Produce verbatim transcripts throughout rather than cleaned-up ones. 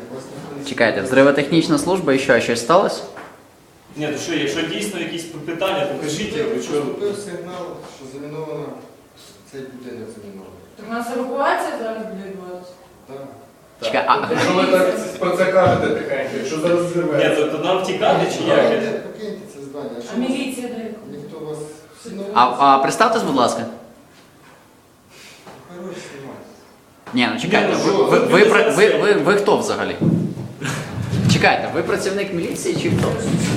Чекайте, взривотехнічна служба і що, щось сталося? Ні, то що, якщо дійсно якісь питання, покажіть, ви що... Поступив сигнал, що заміновано, цей будинок замінований. Так у нас евакуація зараз буде відбуватися? Так. Чекай, а... Якщо ви так про це кажете тихенько, якщо зараз Ні, зірветься. то, то нам втікати чи як? Покиньте, покиньте це здання. А Якщо міліція де? ніхто вас всі на А, вулиці, а представтесь, будь ласка. хорош знімати. Ні, ну чекайте, Ні, ну ви, що, ви, ви, ви ви, за ви, це? ви, ви хто взагалі? Чекайте, ви працівник міліції чи хто?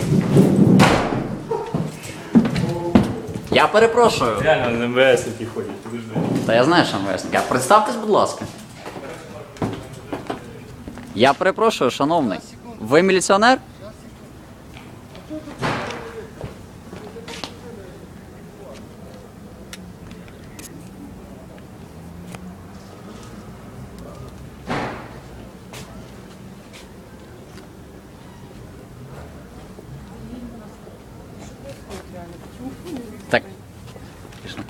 Я перепрошую. Реально на МВС які ходять, подожди. Та я знаю, що МВСник. А представтесь, будь ласка. Я перепрошую, шановний. Ви міліціонер? Так. Пішли.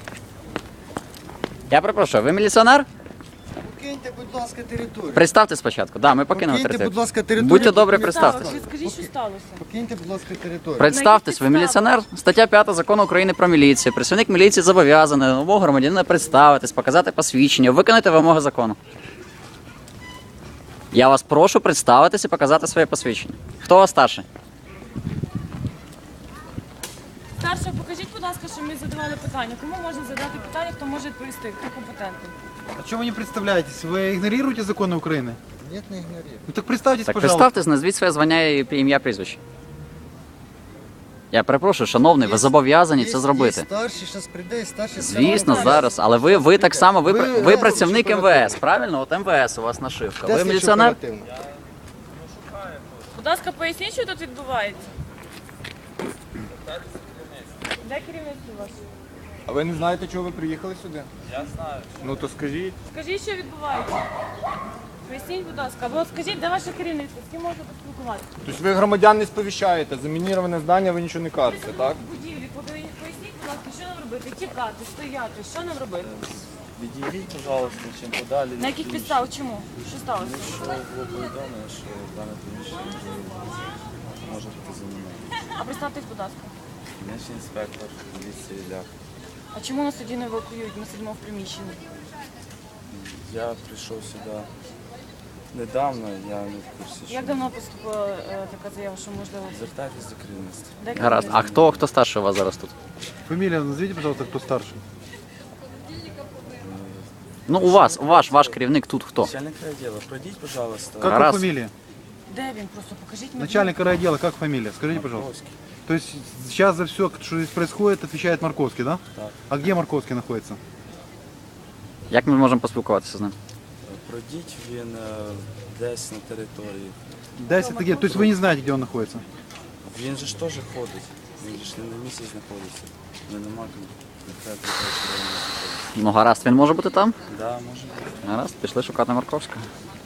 Я перепрошую, ви міліціонер? Покиньте, будь ласка, територію. Представте спочатку. Да, ми покинемо Покиньте, територію. будь ласка, територію. Будьте добрі, Покиньте. представтесь. Скажіть, що сталося? Покиньте, будь ласка, територію. Представтесь, ви міліціонер. Стаття п'ята Закону України про міліцію. Працівник міліції зобов'язаний на вимогу громадянина представитись, показати посвідчення, виконати вимоги закону. Я вас прошу представитись і показати своє посвідчення. Хто у вас старший? Старше, покажіть, будь ласка, що ми задавали питання. Кому можна задати питання, хто може відповісти, хто компетентний? А что вы не представляетесь? Вы игнорируете законы Украины? Ні, не ігнорую. Ну так представьтесь, Так, пожалуйста. представтесь, назвіть своє звання і ім'я, прізвище. Я перепрошую, шановний, ви зобов'язані це зробити. Є старший, зараз прийде, і старший... Звісно, скаже. зараз, але ви, ви так само, ви, Ви пр- ви разом працівник чи МВС, правильно? От МВС у вас нашивка. Де Ви слідчо міліціонер? оперативно? Будь ласка, поясніть, що тут відбувається. Де керівництво ваше? А ви не знаєте, чого ви приїхали сюди? Я знаю. Ну то скажіть. Скажіть, що відбувається. Поясніть, будь ласка, або скажіть, де ваше керівництво, з ким можна поспілкуватися? Тобто ви громадян не сповіщаєте, замініроване здання, ви нічого не кажете, так? В будівлі, поясніть, будь ласка, що нам робити? Тікати, стояти, що нам робити? Відійдіть, пожалуйста, чим подалі. На яких підставах? Чому? Що сталося? Що було повідомлено, що дане приміщення може бути замінено. А представтесь, будь ласка. Дільничний інспектор поліції Лях. А чому нас тоді не евакуюють? Ми сидимо в приміщенні. Я прийшов сюди недавно, я не в курсі, що... Як давно поступила е, така заява, що можливо... Звертайтесь до керівництва. Де Гаразд. А хто, хто старший у вас зараз тут? Фамилия назовите, пожалуйста, кто старший. Ну, у вас, у ваш, ваш керівник тут хто? Начальник відділу, пройдіть, пожалуйста. Как Раз. его фамилия? Де він? Просто покажіть мені. Начальник райотдела, как фамилия? Скажите, пожалуйста. Марковський. То есть сейчас за все, что здесь происходит, отвечает Марковский, да? Так. А где Марковский находится? Як ми можемо поспілкуватися з ним? Пройдіть, він е, десь на території. Дайте где. То есть вы не знаете, где он находится? Він же ж теж ходить. Він же ж не на місці знаходиться. Не нема конкретно того, що він знаходиться. Ну, гаразд, він може бути там? Да, може бути. Гаразд, пішли шукати Марковського.